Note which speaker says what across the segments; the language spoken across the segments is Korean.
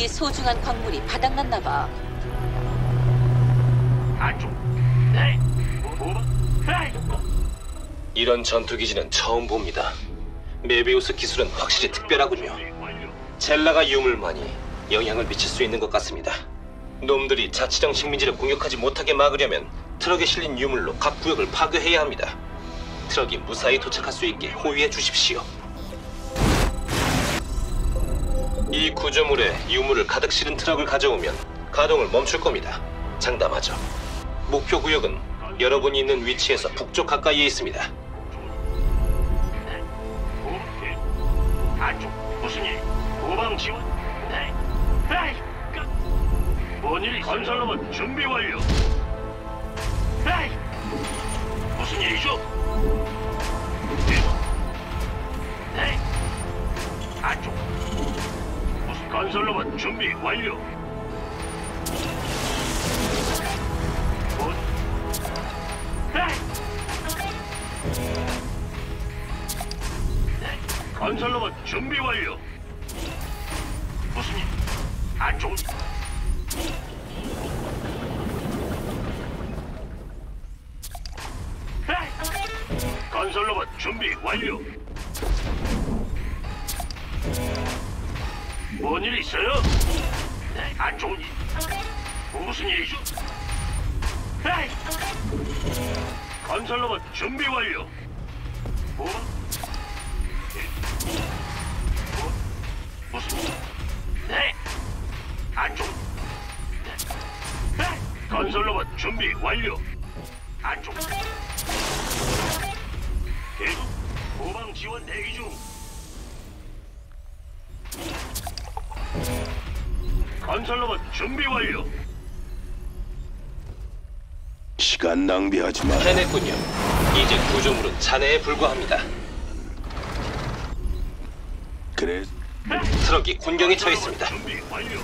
Speaker 1: 우리 소중한 광물이 바닥났나 봐.
Speaker 2: 안쪽. 네. 네.
Speaker 3: 이런 전투기지는 처음 봅니다. 메비우스 기술은 확실히 특별하군요. 젤라가 유물만이 영향을 미칠 수 있는 것 같습니다. 놈들이 자치령 식민지를 공격하지 못하게 막으려면 트럭에 실린 유물로 각 구역을 파괴해야 합니다. 트럭이 무사히 도착할 수 있게 호위해 주십시오. 이 구조물에 유물을 가득 실은 트럭을 가져오면 가동을 멈출 겁니다. 장담하죠. 목표 구역은 여러분이 있는 위치에서 북쪽 가까이에 있습니다.
Speaker 2: 안쪽. 무슨 일? 후방 지원? 네. 에이. 뭔 일이? 건설로만 준비 완료. 에이. 무슨 일이죠? 네. 안쪽. 무슨 건설로만 준비 완료. 뭔? 에이. 네. 건설로만 준비 완료. 무슨 일? 안쪽. 건설로봇 준비 완료. 뭔 일 있어요? 네, 안 좋은 일. 무슨 일이죠? 에이! 건설로봇 준비 완료. 뭐? 무슨 일? 네, 안 좋은. 네. 건설로봇 준비 완료. 안 좋은. 계속 후방 지원 대기 중. 건설로봇 준비 완료.
Speaker 4: 시간 낭비하지 마.
Speaker 3: 해냈군요. 이제 구조물은 잔해에 불과합니다.
Speaker 4: 그래,
Speaker 3: 트럭이 군경에 처해 있습니다.
Speaker 2: 준비 완료.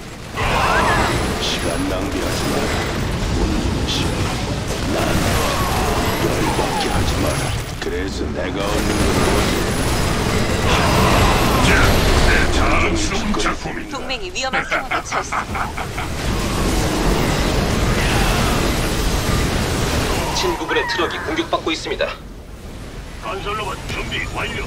Speaker 4: 시간 낭비하지 마. 운동시. 난 열받게 하지 마라. 그래서 내가 얻는 건
Speaker 2: 내 자랑스러운 작품이다.
Speaker 1: 동맹이 위험한 상황에 처했습니다.
Speaker 3: 친구분의 트럭이 공격받고 있습니다.
Speaker 2: 건설로봇 준비 완료.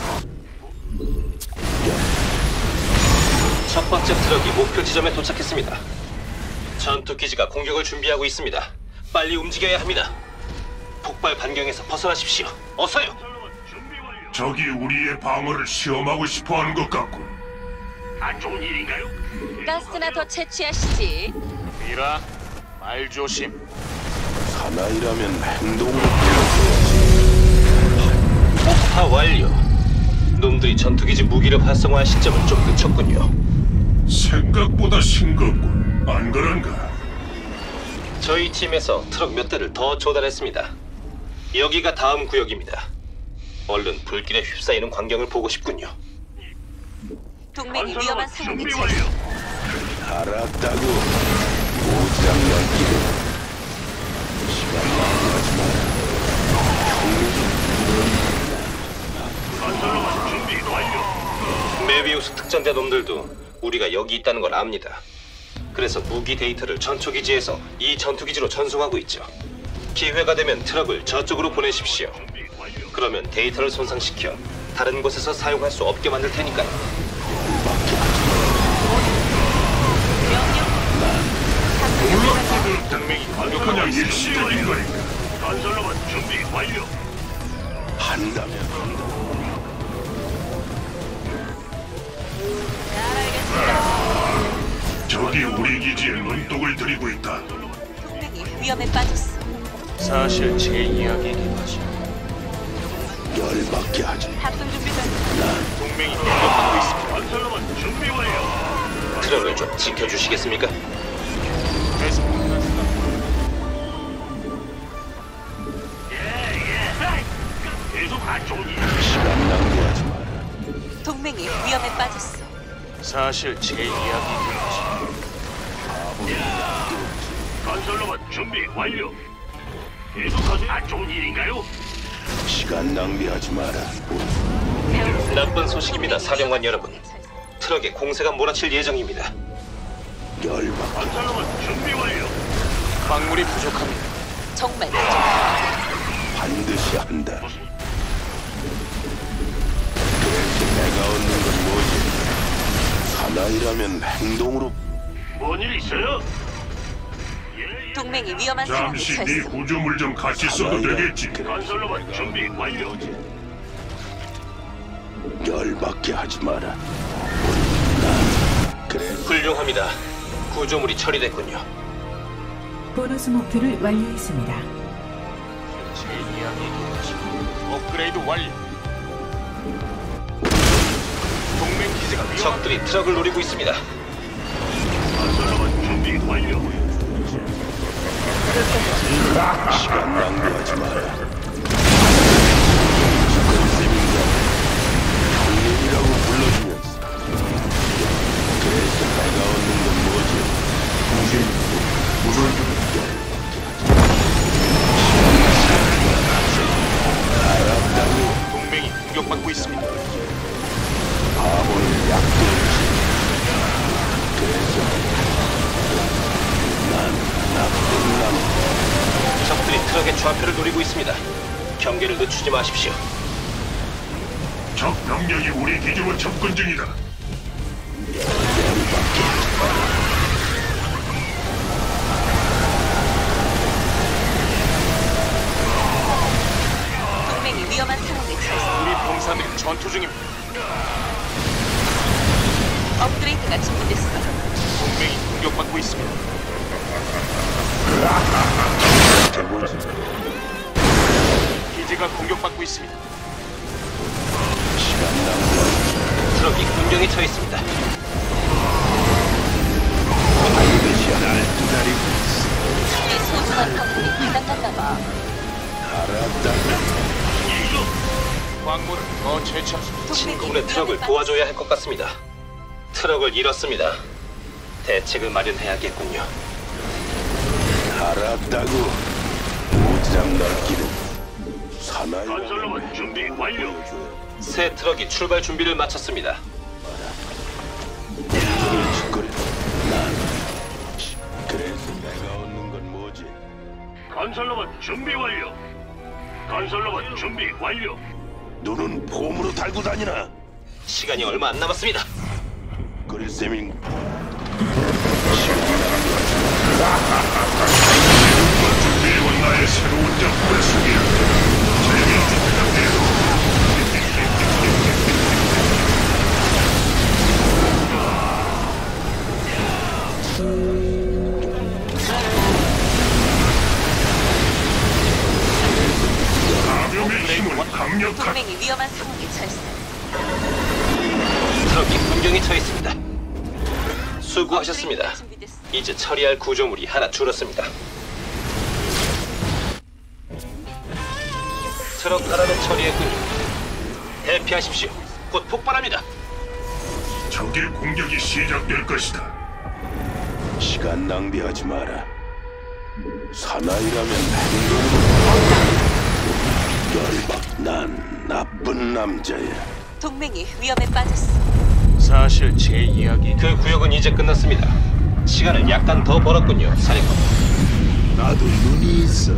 Speaker 3: 첫 번째 트럭이 목표 지점에 도착했습니다. 전투 기지가 공격을 준비하고 있습니다. 빨리 움직여야 합니다. 폭발 반경에서 벗어나십시오. 어서요.
Speaker 2: 건설로봇 준비 완료.
Speaker 5: 적이 우리의 방어를 시험하고 싶어하는 것 같군.
Speaker 2: 안 좋은 일인가요?
Speaker 1: 가스나 더 채취하시지.
Speaker 6: 미라, 말 조심.
Speaker 4: 사나이라면 행동으로 보여줘야지.
Speaker 3: 폭파 완료. 놈들이 전투기지 무기를 활성화할 시점을 좀 늦췄군요.
Speaker 5: 생각보다 싱겁군. 안 그런가?
Speaker 3: 저희 팀에서 트럭 몇 대를 더 조달했습니다. 여기가 다음 구역입니다. 얼른 불길에 휩싸이는 광경을 보고 싶군요.
Speaker 1: 동맹이 위험한
Speaker 2: 건설로봇
Speaker 1: 상황에
Speaker 2: 준비
Speaker 1: 처했습니다.
Speaker 2: 완료.
Speaker 4: 알았다고. 오지랖 넓기를. 시간 낭비하지 마라.
Speaker 2: 건설로봇 준비 완료.
Speaker 3: 메비우스 특전대 놈들도 우리가 여기 있다는 걸 압니다. 그래서 무기 데이터를 전초기지에서 이 전투기지로 전송하고 있죠. 기회가 되면 트럭을 저쪽으로 보내십시오.
Speaker 2: 준비 완료.
Speaker 3: 그러면 데이터를 손상시켜 다른 곳에서 사용할 수 없게 만들 테니까요.
Speaker 2: 동맹이
Speaker 5: 그냥
Speaker 2: 건설로봇 준비
Speaker 5: 일시적인
Speaker 2: 완료.
Speaker 5: 거니까.
Speaker 2: 건설로봇 준비 완료.
Speaker 4: 한다면 한다.
Speaker 5: 적이 우리 기지에 눈독을 들이고 있다.
Speaker 1: 동맹이 위험에 빠졌어.
Speaker 6: 사실 제 이야기이긴 하죠.
Speaker 4: 열받게 하지.
Speaker 1: 탑승 준비 전.
Speaker 6: 동맹이 공격받고 있습니다.
Speaker 2: 건설로봇 준비 완료.
Speaker 3: 트럭을 좀 지켜주시겠습니까?
Speaker 6: 계속
Speaker 2: 계속 안 좋은 일.
Speaker 4: 시간 낭비하지 마라.
Speaker 1: 동맹이 위험에 빠졌어.
Speaker 6: 사실 제 이야기이긴 하죠.
Speaker 2: 건설로봇 준비 완료. 계속하세요. 안 좋은 일인가요?
Speaker 4: 시간 낭비하지 마라.
Speaker 3: 나쁜 소식입니다, 사령관 여러분. 트럭에 공세가 몰아칠 예정입니다.
Speaker 4: 열받.
Speaker 2: 건설로봇 준비 완료.
Speaker 6: 광물이 부족합니다.
Speaker 1: 정말 부족합니다.
Speaker 4: 반드시 한다.
Speaker 2: 무슨
Speaker 4: 그래서 내가 얻는 건 뭐지? 사나이라면 행동으로.
Speaker 2: 뭔 일 있어요? 예, 예.
Speaker 1: 동맹이 위험한 상황에
Speaker 5: 잠시 네
Speaker 1: 처했어.
Speaker 5: 구조물 좀 같이 써도 되겠지.
Speaker 2: 건설로봇 준비 완료.
Speaker 4: 열받게 하지 마라. 그래.
Speaker 3: 훌륭합니다. 구조물이 처리됐군요.
Speaker 7: 보너스 목표를 완료했습니다.
Speaker 6: 제 이야기 계속. 업그레이드 완료. 동맹 기지가 위험합니다.
Speaker 3: 적들이 트럭을 노리고 있습니다.
Speaker 2: 건설로봇 준비 완료.
Speaker 4: 시간 낭비하지 마라. 형님이라고 불러주면서. 그래서 내가 얻는 건 뭐지?
Speaker 6: 동맹이 공격받고 있습니다.
Speaker 4: 바보는 약도지. 그래서 난 나쁜 남.
Speaker 3: 적들이 트럭의 좌표를 노리고 있습니다. 경계를 늦추지 마십시오.
Speaker 5: 적 병력이 우리 기지로 접근 중이다.
Speaker 1: 동맹이 위험한 상황에 처했어.
Speaker 6: 우리 병사들이 전투 중입니다.
Speaker 1: 업그레이드가 준비됐어.
Speaker 6: 동맹이 공격받고 있습니다.
Speaker 4: 해보지.
Speaker 6: 기지가 공격받고 있습니다.
Speaker 4: 시간 낭비하지.
Speaker 3: 트럭이 군경에 처해 있습니다.
Speaker 4: 반드시 날 기다리고 있어.
Speaker 1: 네 소중한 광물이 바닥났나 봐.
Speaker 4: 알았다.
Speaker 6: 광물을 더 채취합시다.
Speaker 3: 친구분의 트럭을 도와줘야 할 것 같습니다. 트럭을 잃었습니다. 대책을 마련해야겠군요.
Speaker 4: 알았다고. 오지랖 넓기는 사나이.
Speaker 2: 건설로봇 준비 완료.
Speaker 3: 새 트럭이 출발 준비를 마쳤습니다.
Speaker 4: 온종일 짓거려. 난 그래서 내가 얻는 건 뭐지?
Speaker 2: 건설로봇 준비 완료. 건설로봇 준비 완료.
Speaker 4: 눈은 폼으로 달고 다니나?
Speaker 3: 시간이 얼마 안 남았습니다.
Speaker 4: 그릴 셈인.
Speaker 5: 준비해온 나의 새로운 작품을 소개한다. 재미있게 부탁해요. 감염의 힘은 강력한
Speaker 1: 동맹이 위험한 상황에 처했어.
Speaker 3: 트럭이 군경에 처해 있습니다. 수고하셨습니다.
Speaker 1: 업그레이드가 준비됐어.
Speaker 3: 이제 처리할 구조물이 하나 줄었습니다. 트럭 하나는 처리했군요. 대피하십시오. 곧 폭발합니다.
Speaker 5: 적의 공격이 시작될 것이다.
Speaker 4: 시간 낭비하지 마라. 사나이라면 행동으로. 열받. 난 나쁜 남자야.
Speaker 1: 동맹이 위험에 빠졌어.
Speaker 6: 사실 제 이야기
Speaker 3: 그 구역은 이제 끝났습니다. 시간을 약간 더 벌었군요, 사령관.
Speaker 4: 나도 눈이 있어.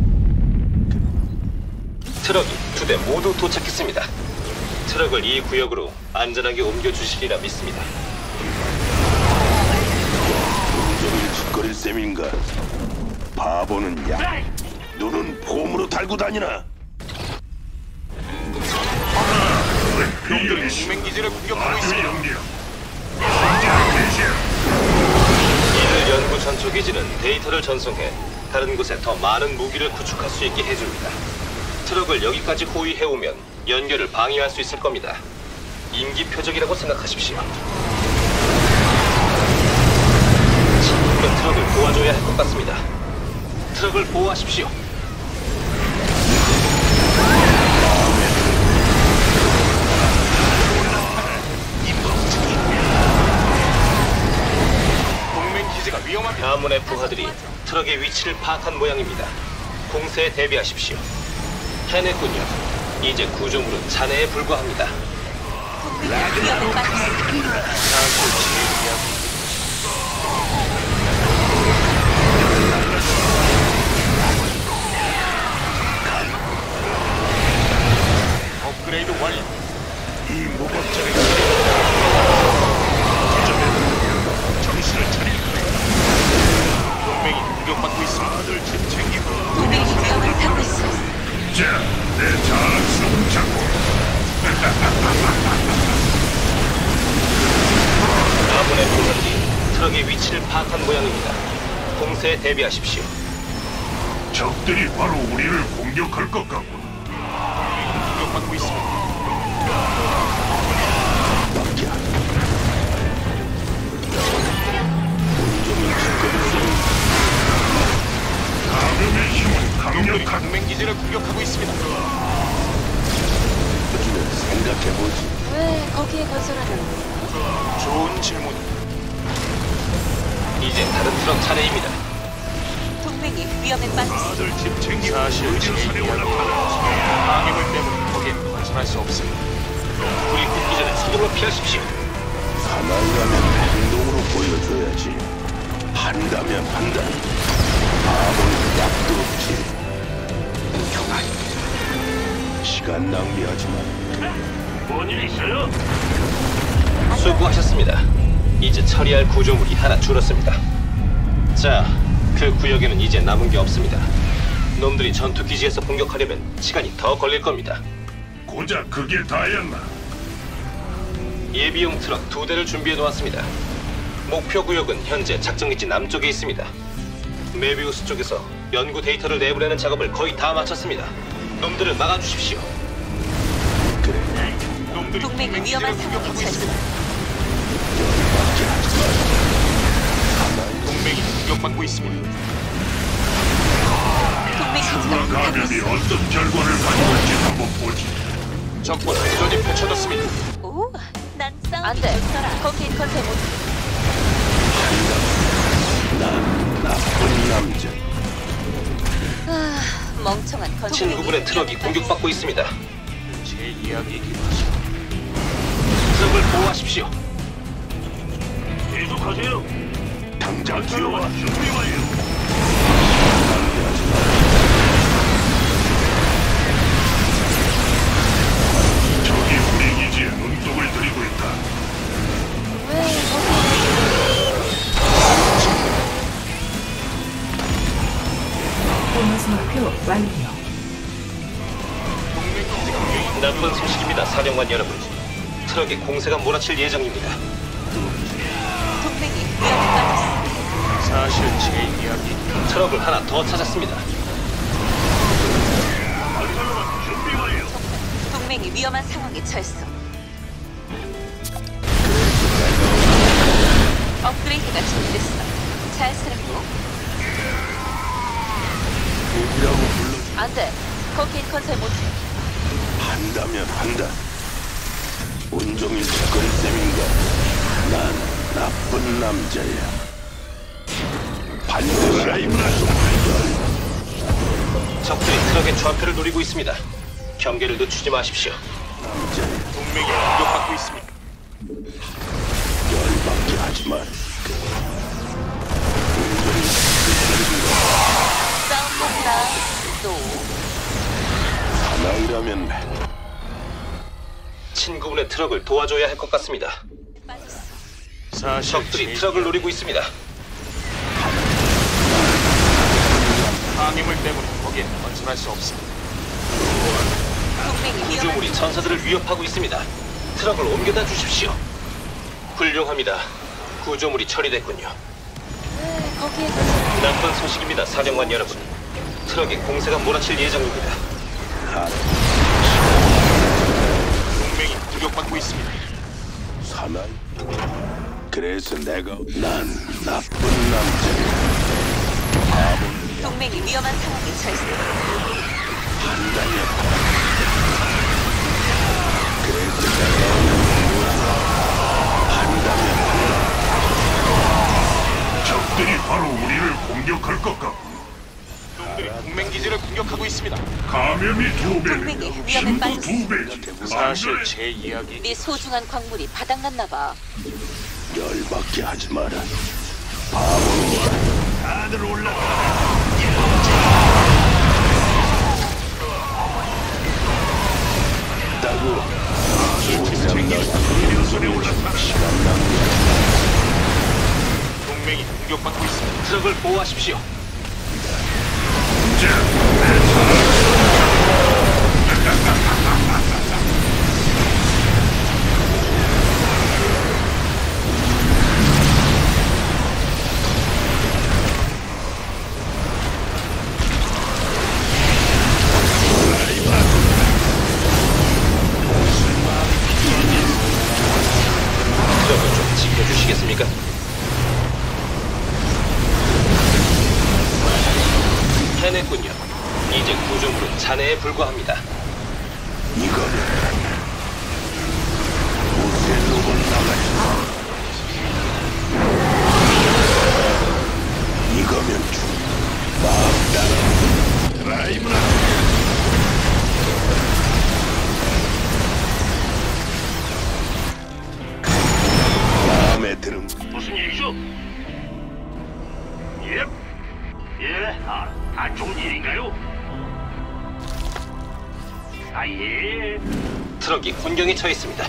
Speaker 3: 트럭이 2대 모두 도착했습니다. 트럭을 이 구역으로 안전하게 옮겨주시리라 믿습니다.
Speaker 4: 온종일 짓거릴 셈인가? 바보는 약. 눈은 폼으로 달고 다니나?
Speaker 5: 병력이
Speaker 6: 동맹 기지를 공격하고
Speaker 5: 아주
Speaker 6: 있습니다.
Speaker 5: 영리야. 성장 개시야.
Speaker 3: 이들 연구 전초 기지는 데이터를 전송해 다른 곳에 더 많은 무기를 구축할 수 있게 해줍니다. 트럭을 여기까지 호위해오면 연결을 방해할 수 있을 겁니다. 임기 표적이라고 생각하십시오. 친구가 트럭을 도와줘야 할 것 같습니다. 트럭을 보호하십시오.
Speaker 6: 동맹 기지가 위험합니다.
Speaker 3: 가문의 부하들이 트럭의 위치를 파악한 모양입니다. 공세에 대비하십시오. 해냈군요. 이제 구조물은 잔해에 불과합니다.
Speaker 1: 동맹이 위험에 빠졌어.
Speaker 6: 사실 제 이야기
Speaker 3: 적의 위치를 파악한 모양입니다. 공세에 대비하십시오.
Speaker 5: 적들이 바로 우리를 공격할 것 같군.
Speaker 6: 공격받고 있습니다.
Speaker 4: 밖에 안 온종일 짓거릴
Speaker 5: 감염의 힘은
Speaker 6: 놈들이
Speaker 5: 강력한.
Speaker 6: 동맹 기지를 공격하고 있습니다.
Speaker 4: 셈 생각해보지.
Speaker 1: 왜 거기에 건설하는 거야?
Speaker 6: 좋은 질문.
Speaker 3: 이제 다른 트럭 차례입니다.
Speaker 1: 동맹이 위험에 빠졌어.
Speaker 5: 다들 집 챙기고
Speaker 6: 사실 제
Speaker 5: 의료선에
Speaker 6: 이야기.
Speaker 5: 올라타라.
Speaker 6: 방해물 때문에 거기엔 건설할 수 없습니다.
Speaker 3: 불이 붙기 전에 서둘러 피하십시오.
Speaker 4: 사나이라면 행동으로 보여줘야지. 한다면 한다. 바보는 약도 없지. 시간 낭비하지 마.
Speaker 2: 뭔일 있어요?
Speaker 3: 수고하셨습니다. 이제 처리할 구조물이 하나 줄었습니다. 자, 그 구역에는 이제 남은 게 없습니다. 놈들이 전투 기지에서 공격하려면 시간이 더 걸릴 겁니다.
Speaker 5: 고작 그게 다였나?
Speaker 3: 예비용 트럭 2대를 준비해 놓았습니다. 목표 구역은 현재 작전기지 남쪽에 있습니다. 메비우스 쪽에서 연구 데이터를 내보내는 작업을 거의 다 마쳤습니다. 놈들을 막아주십시오.
Speaker 6: 놈들이
Speaker 1: 동맹이
Speaker 6: 동맹
Speaker 1: 위험한
Speaker 6: 기지를
Speaker 1: 상황에
Speaker 6: 공격하고
Speaker 1: 처했어.
Speaker 6: 있습니다. 동맹이 공격받고 있습니다.
Speaker 1: 동맹 기지가
Speaker 5: 그 감염이
Speaker 1: 공격받고
Speaker 5: 어떤 결과를 가져올지 한번 보지.
Speaker 6: 적과 교전이 펼쳐졌습니다.
Speaker 1: 있어. 오, 난 싸우기 안 돼. 거기에 건설 못.
Speaker 4: 나쁜 남자.
Speaker 1: 아, 멍청한 건설.
Speaker 3: 친구분의 트럭이 공격받고 있습니다.
Speaker 6: 제 이야기이기도 하죠.
Speaker 3: 트럭을 보호하십시오.
Speaker 2: 계속하세요.
Speaker 4: 당장
Speaker 2: 전투와
Speaker 4: 뛰어와.
Speaker 2: 준비 완료.
Speaker 5: 적이 우리 기지에 눈독을 들이고 있다.
Speaker 1: 왜 거기에
Speaker 7: 보너스 목표 완료.
Speaker 6: 동맹 기지가 위험.
Speaker 3: 나쁜 소식입니다, 사령관 여러분. 트럭에 공세가 몰아칠 예정입니다.
Speaker 1: 동맹이 위험에 빠졌어.
Speaker 6: 사실 제 이야기.
Speaker 3: 트럭을 하나 더 찾았습니다.
Speaker 2: 준비 완료.
Speaker 1: 동맹이 위험한 상황에 처했어. 업그레이드가 준비됐어. 잘 쓰라고.
Speaker 4: 누구라고 불러
Speaker 1: 안 돼. 거기엔 건설 못해.
Speaker 4: 한다면 한다. 온종일 짓거릴 셈인가? 난 나쁜 남자야. 반드시
Speaker 3: 적들이 트럭의 좌표를 노리고 있습니다. 경계를 늦추지 마십시오.
Speaker 4: 남자야.
Speaker 6: 동맹이 공격받고 있습니다.
Speaker 4: 열받게 하지 마.
Speaker 1: 싸움 난다. 또.
Speaker 4: 사나이라면
Speaker 3: 친구분의 트럭을 도와줘야 할 것 같습니다.
Speaker 1: 빠졌어.
Speaker 6: 사실
Speaker 3: 적들이
Speaker 6: 제
Speaker 3: 트럭을 노리고 있습니다.
Speaker 6: 방해물 때문에 거기엔 건설할 수 없습니다.
Speaker 1: 동맹이 위험한
Speaker 3: 구조물이 전사들을 위협하고 있습니다. 트럭을 옮겨다 주십시오. 훌륭합니다. 구조물이 처리됐군요.
Speaker 1: 왜 거기에 건설
Speaker 3: 나쁜 소식입니다, 사령관 여러분. 트럭에 공세가 몰아칠 예정입니다.
Speaker 6: 동맹이 공격받고 있습니다.
Speaker 4: 사나이. 그래서 내가 난 나쁜 남자야. 바보는
Speaker 1: 동맹이 위험한 상황에 처했어.
Speaker 4: 한다면 그래서 내가 한다면
Speaker 5: 적들이 바로 우리를 공격할 것 같고.
Speaker 6: 놈들이 동맹 기지를 공격하고 있습니다.
Speaker 5: 감염이 2배는
Speaker 1: 동맹이 위험에
Speaker 5: 힘도
Speaker 1: 빠졌어.
Speaker 5: 2배지.
Speaker 6: 사실 제 이야기.
Speaker 1: 네 소중한 광물이 바닥났나 봐.
Speaker 4: 열받게 하지 마라. 바보는
Speaker 5: 다들 올라.
Speaker 4: 따고
Speaker 5: 의료선에 올라타라.
Speaker 4: 시간 낭비.
Speaker 6: 동맹이 공격받고 있습니다.
Speaker 3: 트럭을 보호하십시오.
Speaker 5: 이제 내
Speaker 3: 저도 좀 지켜주시겠습니까? 해냈군요. 이제 구조물은 잔해에 불과합니다.
Speaker 4: 이거는 무쇠 로봇 나가자. 이거면 마음 따라 드라이브라. 마음에 드는
Speaker 2: 무슨 일이죠? 예? 예? 안 좋은 일인가요? 예.
Speaker 3: 트럭이 혼경에 처했습니다.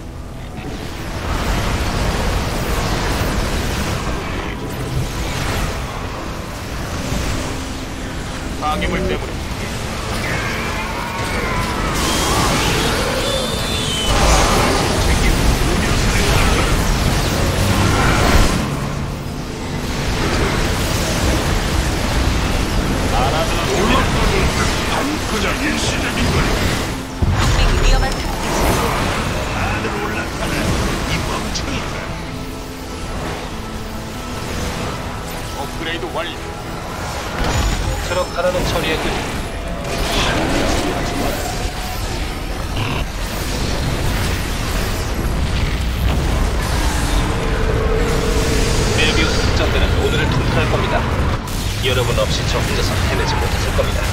Speaker 6: 방해물 때문에
Speaker 5: 그냥 일시적인 거야.
Speaker 1: 동맹이 위험한 상황에 처했습니다.
Speaker 5: 다들 올라타라. 이 멍청이들.
Speaker 6: 업그레이드 완료.
Speaker 3: 트럭 하나는 처리했군요. 메비우스 특전대는 오늘을 통과할 겁니다. 여러분 없이 저 혼자서 해내지 못했을 겁니다.